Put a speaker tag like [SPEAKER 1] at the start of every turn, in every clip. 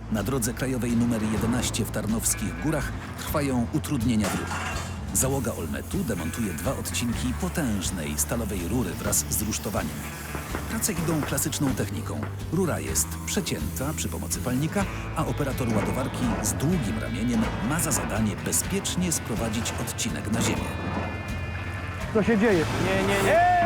[SPEAKER 1] Na drodze krajowej nr 11 w Tarnowskich Górach trwają utrudnienia w ruchu. Załoga Olmetu demontuje 2 odcinki potężnej stalowej rury wraz z rusztowaniem. Prace idą klasyczną techniką. Rura jest przecięta przy pomocy palnika, a operator ładowarki z długim ramieniem ma za zadanie bezpiecznie sprowadzić odcinek na ziemię.
[SPEAKER 2] Co się dzieje?
[SPEAKER 3] Nie.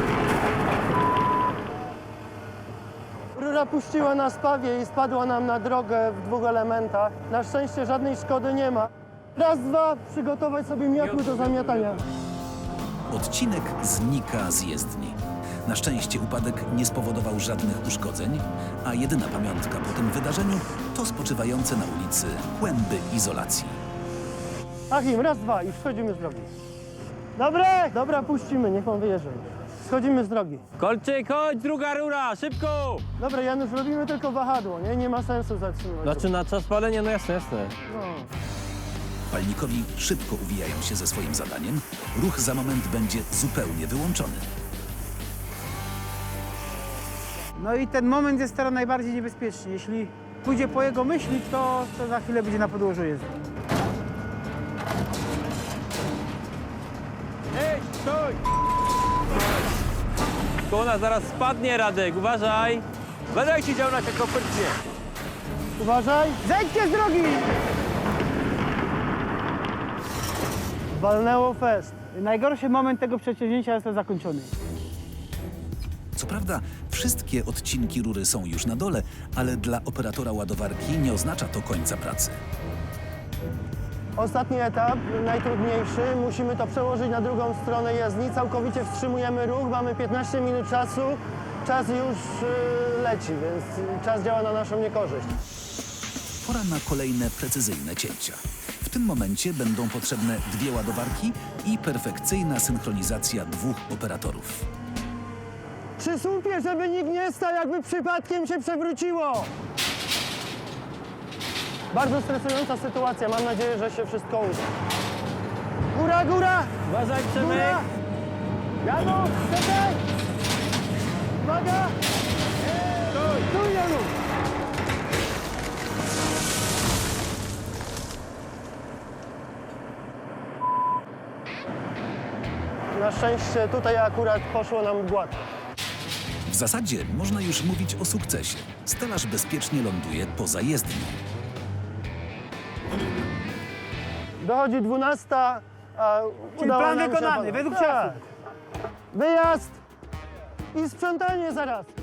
[SPEAKER 2] Rura puściła na spawie i spadła nam na drogę w 2 elementach. Na szczęście żadnej szkody nie ma. Raz, dwa, przygotować sobie miotły do zamiatania.
[SPEAKER 1] Odcinek znika z jezdni. Na szczęście upadek nie spowodował żadnych uszkodzeń, a jedyna pamiątka po tym wydarzeniu to spoczywające na ulicy kłęby izolacji.
[SPEAKER 2] Achim, raz, dwa i schodzimy z drogi. Dobra, puścimy, niech pan wyjeżdża. Schodzimy z drogi.
[SPEAKER 3] Kolczyk, chodź, druga rura, szybko!
[SPEAKER 2] Dobra, Janusz, robimy tylko wahadło, nie ma sensu zatrzymywać.
[SPEAKER 3] Znaczy na czas palenia, no jasne.
[SPEAKER 2] No.
[SPEAKER 1] Palnikowi szybko uwijają się ze swoim zadaniem. Ruch za moment będzie zupełnie wyłączony.
[SPEAKER 4] No i ten moment jest teraz najbardziej niebezpieczny. Jeśli pójdzie po jego myśli, to za chwilę będzie na podłożu jezdni.
[SPEAKER 3] Ej, stój! Kona zaraz spadnie, Radek, uważaj! Będę siedział na się kopytnie.
[SPEAKER 2] Uważaj.
[SPEAKER 4] Zejdźcie z drogi!
[SPEAKER 2] Walnęło fest.
[SPEAKER 4] Najgorszy moment tego przedsięwzięcia jest zakończony.
[SPEAKER 1] Co prawda, wszystkie odcinki rury są już na dole, ale dla operatora ładowarki nie oznacza to końca pracy.
[SPEAKER 2] Ostatni etap, najtrudniejszy. Musimy to przełożyć na drugą stronę jezdni. Całkowicie wstrzymujemy ruch. Mamy 15 minut czasu. Czas już leci, więc czas działa na naszą niekorzyść.
[SPEAKER 1] Pora na kolejne precyzyjne cięcia. W tym momencie będą potrzebne 2 ładowarki i perfekcyjna synchronizacja 2 operatorów.
[SPEAKER 2] Przy słupie, żeby nikt nie stał, jakby przypadkiem się przewróciło. Bardzo stresująca sytuacja. Mam nadzieję, że się wszystko uda. Góra!
[SPEAKER 3] Uważaj, Przemek!
[SPEAKER 2] Góra! Janusz, czekaj! Uwaga! Tu, Janusz! Na szczęście tutaj akurat poszło nam gładko.
[SPEAKER 1] W zasadzie można już mówić o sukcesie. Stelaż bezpiecznie ląduje poza jezdnią.
[SPEAKER 2] Dochodzi 12, a
[SPEAKER 4] Czyli
[SPEAKER 2] udało
[SPEAKER 4] plan
[SPEAKER 2] nam się
[SPEAKER 4] wykonany,
[SPEAKER 2] opanować.
[SPEAKER 4] według
[SPEAKER 2] Tak.
[SPEAKER 4] czasu.
[SPEAKER 2] Wyjazd i sprzątanie zaraz.